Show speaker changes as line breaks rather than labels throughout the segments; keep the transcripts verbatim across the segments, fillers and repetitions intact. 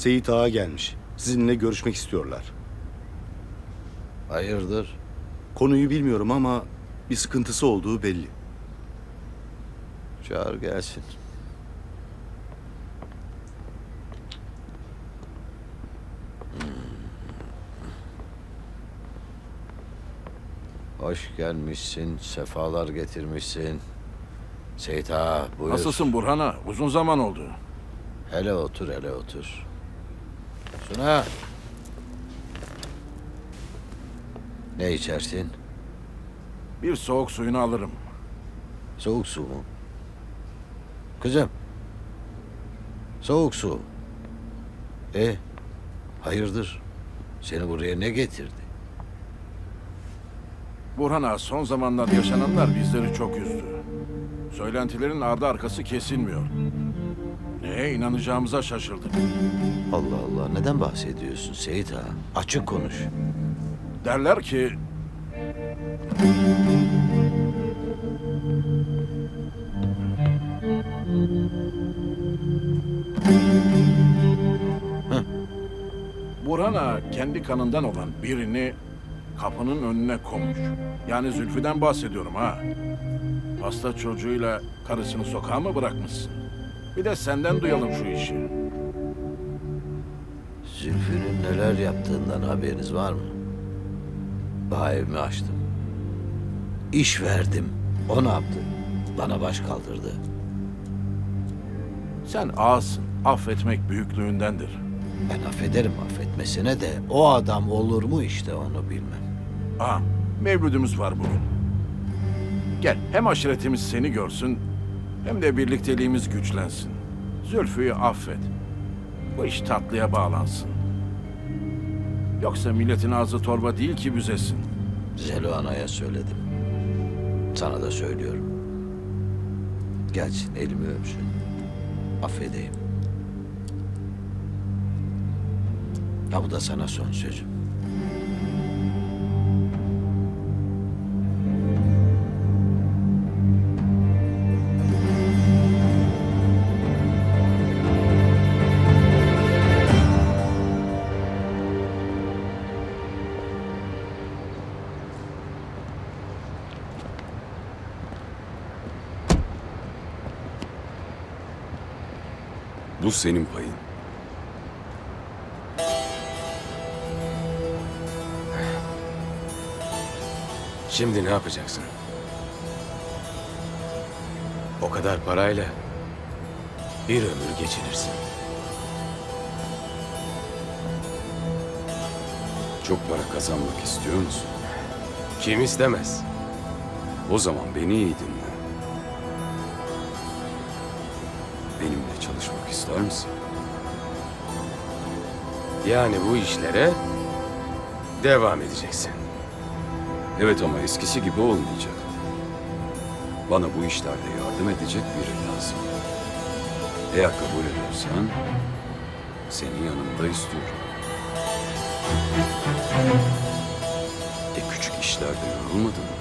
Seyit Ağa gelmiş. Sizinle görüşmek istiyorlar.
Hayırdır?
Konuyu bilmiyorum ama bir sıkıntısı olduğu belli.
Çağır gelsin. Hmm. Hoş gelmişsin, sefalar getirmişsin. Seyit Ağa, buyur.
Nasılsın Burhan Ağa? Uzun zaman oldu.
Hele otur, hele otur. Suna. Ne içersin?
Bir soğuk suyunu alırım.
Soğuk su mu? Kızım. Soğuk su. E, hayırdır? Seni buraya ne getirdi?
Burhan Ağa, son zamanlar yaşananlar bizleri çok üzdü. Söylentilerin ardı arkası kesilmiyor. Neye inanacağımıza şaşırdık.
Allah Allah, neden bahsediyorsun Seyit Ağa? Açık konuş.
Derler ki...
Hı.
Burhan Ağa kendi kanından olan birini kapının önüne koymuş. Yani Zülfü'den bahsediyorum ha. Hasta çocuğuyla karısını sokağa mı bırakmışsın? Bir de senden duyalım şu işi.
Zülfü'nün neler yaptığından haberiniz var mı? Daha evimi açtım. İş verdim. O ne yaptı? Bana baş kaldırdı.
Sen ağasın. Affetmek büyüklüğündendir.
Ben affederim affetmesine de o adam olur mu işte onu bilmem.
Aa, mevlüdümüz var bugün. Gel, hem aşiretimiz seni görsün, hem de birlikteliğimiz güçlensin. Zülfü'yü affet. Bu iş tatlıya bağlansın. Yoksa milletin ağzı torba değil ki büzesin.
Zelo Ana'ya söyledim. Sana da söylüyorum. Gelsin elimi öpsün. Affedeyim. Ya bu da sana son sözüm.
Bu senin payın.
Şimdi ne yapacaksın? O kadar parayla bir ömür geçinirsin.
Çok para kazanmak istiyor musun?
Kim istemez?
O zaman beni iyi dinle. Benimle çalışmak ister misin?
Yani bu işlere devam edeceksin.
Evet ama eskisi gibi olmayacak. Bana bu işlerde yardım edecek biri lazım. Eğer kabul edersen seni yanımda istiyorum. E küçük işlerde yorulmadın mı?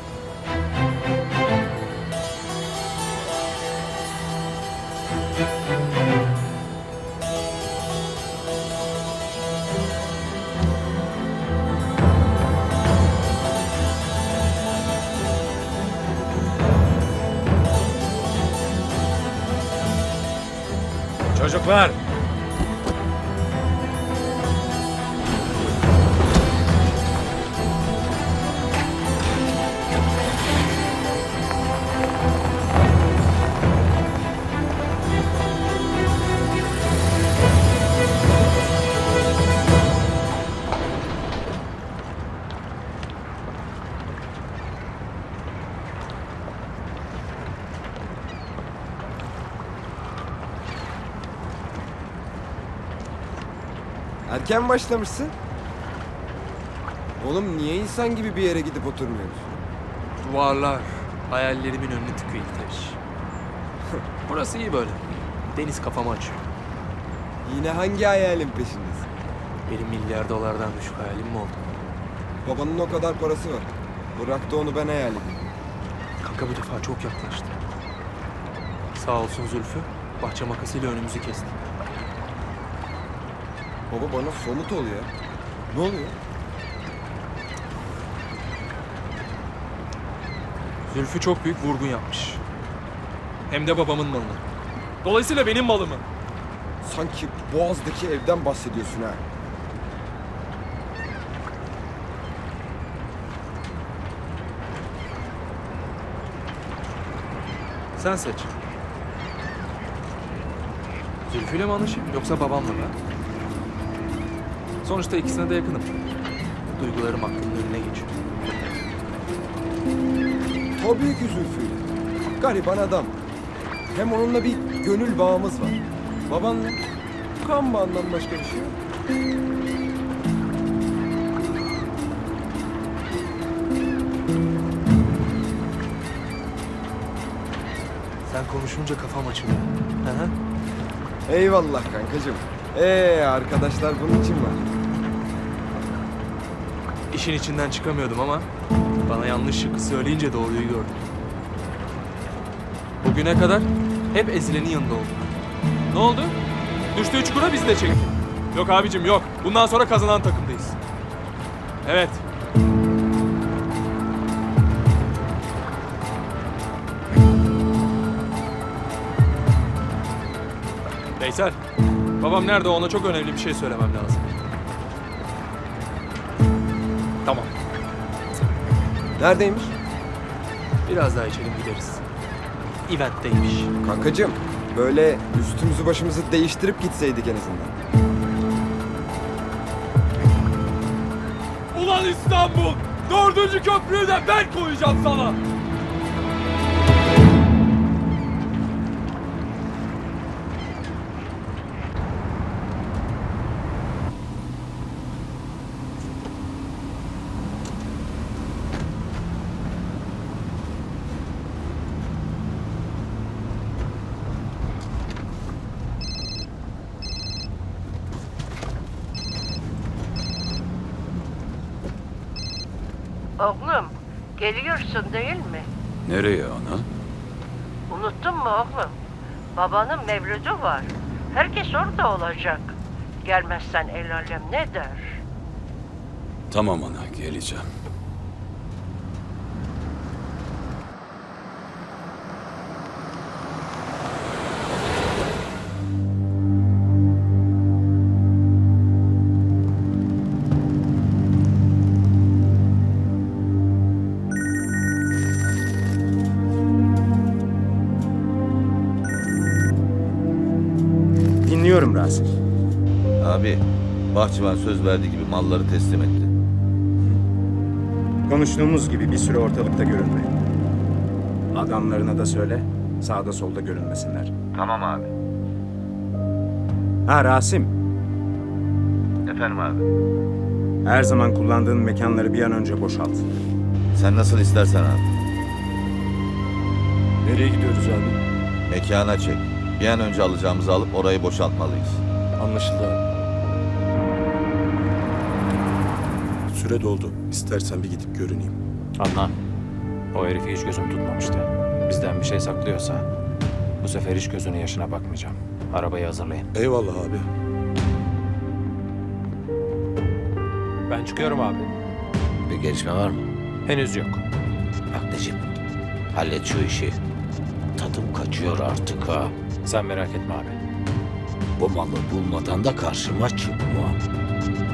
Çocuklar!
Erken başlamışsın. Oğlum niye insan gibi bir yere gidip oturmuyoruz?
Duvarlar hayallerimin önünü tıkıyor İlteş. Burası iyi böyle. Deniz kafamı açıyor.
Yine hangi hayalin peşindesin?
Benim milyar dolardan düşük hayalim mi oldu?
Babanın o kadar parası var. Bırak da onu ben hayal edeyim.
Kanka bu defa çok yaklaştı. Sağ olsun Zülfü, bahçe makasıyla önümüzü kesti.
Baba bana somut ol ya. Ne oluyor?
Zülfü çok büyük vurgun yapmış. Hem de babamın malını. Dolayısıyla benim malımı.
Sanki Boğaz'daki evden bahsediyorsun ha.
Sen seç. Zülfü'yle mi anlaşayım yoksa babamla mı? Sonuçta ikisine de yakınım. Duygularım aklımın önüne geçiyor.
Tabii ki Zülfü'yle. Gariban adam. Hem onunla bir gönül bağımız var. Babanla kan bağından başka bir şey yok.
Sen konuşunca kafam açılıyor. Hı hı.
Eyvallah kankacığım. Ee arkadaşlar bunun için var.
İşin içinden çıkamıyordum ama bana yanlış şıkkı söyleyince doğruyu gördüm. Bugüne kadar hep ezilenin yanında oldum. Ne oldu? Düştüğü çukura bizi de çekti. Yok abicim yok. Bundan sonra kazanan takımdayız. Evet. Veysel, babam nerede, ona çok önemli bir şey söylemem lazım. Tamam.
Neredeymiş?
Biraz daha içelim gideriz. Event'teymiş.
Kankacığım böyle üstümüzü başımızı değiştirip gitseydik en azından.
Ulan İstanbul! Dördüncü köprüyü de ben koyacağım sana!
Oğlum, geliyorsun değil mi?
Nereye ana?
Unuttun mu oğlum? Babanın mevlüdü var. Herkes orada olacak. Gelmezsen el alem ne der?
Tamam ana, geleceğim.
Dinliyorum Rasim.
Abi, bahçıvan söz verdiği gibi malları teslim etti.
Konuştuğumuz gibi bir süre ortalıkta görünme. Adamlarına da söyle, sağda solda görünmesinler.
Tamam abi.
Ha Rasim,
Efendim abi.
her zaman kullandığın mekanları bir an önce boşalt.
Sen nasıl istersen abi.
Nereye gidiyoruz abi?
Mekana çek. Bir an önce alacağımızı alıp orayı boşaltmalıyız.
Anlaşıldı abi. Süre doldu. İstersen bir gidip görüneyim.
Adnan, o herifi hiç gözüm tutmamıştı. Bizden bir şey saklıyorsa bu sefer hiç gözünün yaşına bakmayacağım. Arabayı hazırlayın.
Eyvallah abi.
Ben çıkıyorum abi.
Bir gelişme var mı?
Henüz yok.
Bak Necip, hallet şu işi. Tadım kaçıyor artık ha.
Sen merak etme abi.
Bu malı bulmadan da karşıma çıkma.